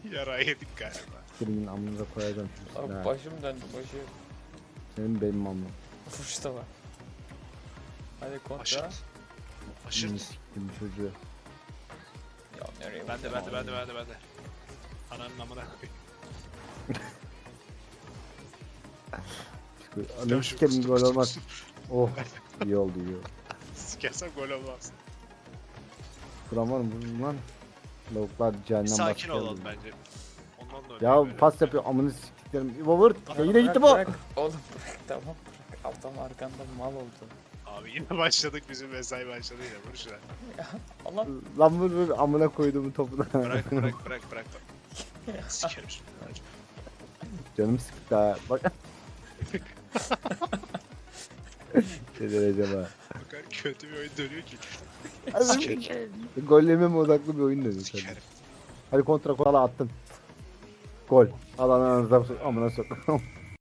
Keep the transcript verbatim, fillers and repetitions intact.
Yara yedik galiba. Senin amınıza koyacağım şu Abi silahı. başım döndü başım. Senin benim amım. Vuruş da var. Hadi kontra. Aşırt. Şimdi Aşırt. siktim çocuğu. Ya nereye Ben de vuracağım ben de ben abi? de ben de ben de. Ananın amına koyayım. Anam sikerim gol olmaz. Oh iyi oldu iyi oldu. Sikersem gol olmaz. Kuran var mı bunun lan? Lavuklar cehennem Bir sakin başlıyor. olalım bence. Ondan da öyle Ya böyle. pas yapıyor amını siktiklerim. İbo vur. Ya yine Bırak, gitti bu. bırak. Oğlum bırak tamam bırak. Adam arkanda mal oldu. Abi yine başladık, bizim mesai başladı yine, vur şuna. Allah. Lan vur vur amına koyduğumu topuna. Bırak bırak bırak bırak. Sikerim şunu. Canım sıktı ha. Bak. Ne derece var. O kadar kötü bir oyun dönüyor ki. Sikerim. Gol yememe odaklı bir oyun dönüyor tabii. Sikerim. Hadi kontra kola attın. Gol. Al ananıza amına sok.